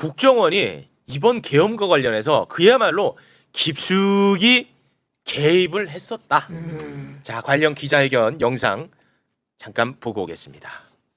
국정원이 이번 계엄과 관련해서 그야말로 깊숙이 개입을 했었다. 자, 관련 기자회견 영상 잠깐 보고 오겠습니다.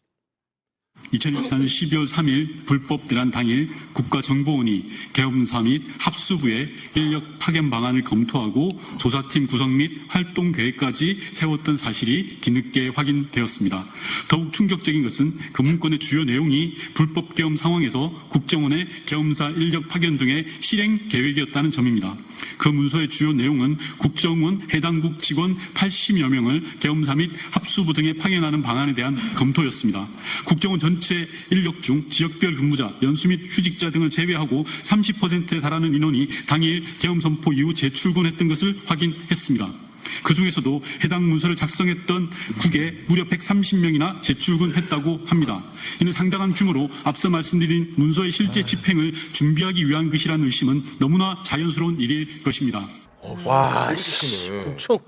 2024년 12월 3일 불법 대란 당일 국가정보원이 계엄사 및 합수부의 인력 파견 방안을 검토하고 조사팀 구성 및 활동 계획까지 세웠던 사실이 뒤늦게 확인되었습니다. 더욱 충격적인 것은 그 문건의 주요 내용이 불법 계엄 상황에서 국정원의 계엄사 인력 파견 등의 실행 계획이었다는 점입니다. 그 문서의 주요 내용은 국정원 해당국 직원 80여 명을 계엄사 및 합수부 등에 파견하는 방안에 대한 검토였습니다. 국정원 전체 인력 중 지역별 근무자, 연수 및 휴직자 등을 제외하고 30%에 달하는 인원이 당일 계엄 선포 이후 재출근했던 것을 확인했습니다. 그 중에서도 해당 문서를 작성했던 국에 무려 130명이나 재출근했다고 합니다. 이는 상당한 규모로 앞서 말씀드린 문서의 실제 집행을 준비하기 위한 것이라는 의심은 너무나 자연스러운 일일 것입니다. 와, 국정원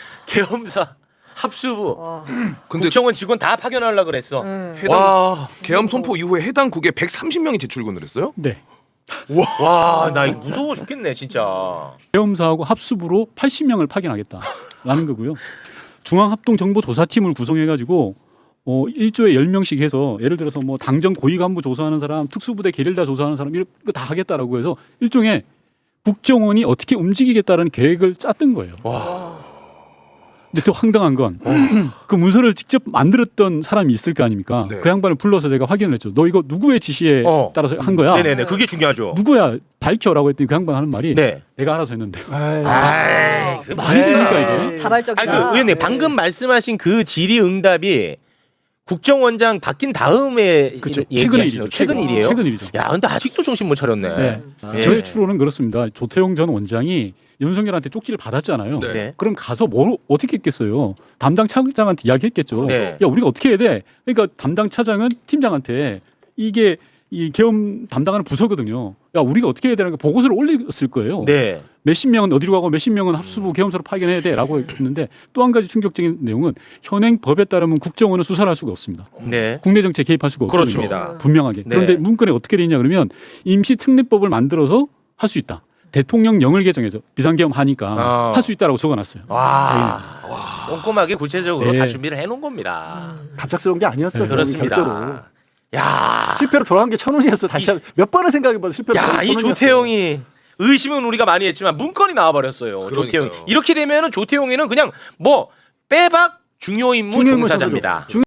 계엄사 합수부 국정원 직원 다 파견하려고 그랬어. 해당 계엄 선포 이후에 해당 국에 130명이 재출근을 했어요? 네. 와, 나 이거 무서워 죽겠네 진짜. 계엄사하고 합수부로 80명을 파견하겠다라는 거고요. 중앙합동정보조사팀을 구성해가지고 1조에 10명씩 해서 예를 들어서 뭐 당정 고위 간부 조사하는 사람, 특수부대 게릴라 조사하는 사람 이런 거 다 하겠다라고 해서 일종의 국정원이 어떻게 움직이겠다라는 계획을 짰던 거예요. 와. 근데 또 황당한 건 그 문서를 직접 만들었던 사람이 있을 거 아닙니까? 네. 그 양반을 불러서 제가 확인을 했죠. 너 이거 누구의 지시에 따라서 한 거야? 네네네, 그게 중요하죠. 누구야? 밝혀라고 했더니 그 양반 하는 말이 네. 내가 알아서 했는데요. 아이, 그 말이 됩니까 이게? 자발적이다. 아니, 그 의원님 방금 말씀하신 그 질의응답이 국정원장 바뀐 다음에 그렇죠. 최근 일이죠. 최근 일이에요. 최근 일이죠. 야, 근데 아직도 정신 못 차렸네. 네. 예. 저희 추론은 그렇습니다. 조태용 전 원장이 윤석열한테 쪽지를 받았잖아요. 네. 그럼 가서 뭘 어떻게 했겠어요? 담당 차장한테 이야기했겠죠. 네. 야, 우리가 어떻게 해야 돼? 그러니까 담당 차장은 팀장한테 이게 이 계엄 담당하는 부서거든요. 야, 우리가 어떻게 해야 되는 거 보고서를 올렸을 거예요. 네. 몇십 명은 어디로 가고 몇십 명은 합수부 계엄사로 파견해야 돼라고 했는데 또 한 가지 충격적인 내용은 현행 법에 따르면 국정원은 수사를 할 수가 없습니다. 네. 국내 정치에 개입할 수가 없거든요. 그렇습니다. 분명하게. 네. 그런데 문건에 어떻게 돼 있냐 그러면 임시특례법을 만들어서 할 수 있다. 대통령령을 개정해서 비상계엄 하니까 할 수 있다라고 적어놨어요. 와, 꼼꼼하게 구체적으로 네. 다 준비를 해놓은 겁니다. 갑작스러운 게 아니었어요. 그렇습니다. 별도로. 야, 실패로 돌아간 게 천운이었어. 다시 몇 번을 생각해봐도 실패로 돌아간 게 이 천운이었어요. 조태용이 의심은 우리가 많이 했지만 문건이 나와버렸어요. 조태용. 이렇게 되면은 조태용이는 그냥 뭐 빼박 중요 임무 중요 임무 종사자입니다.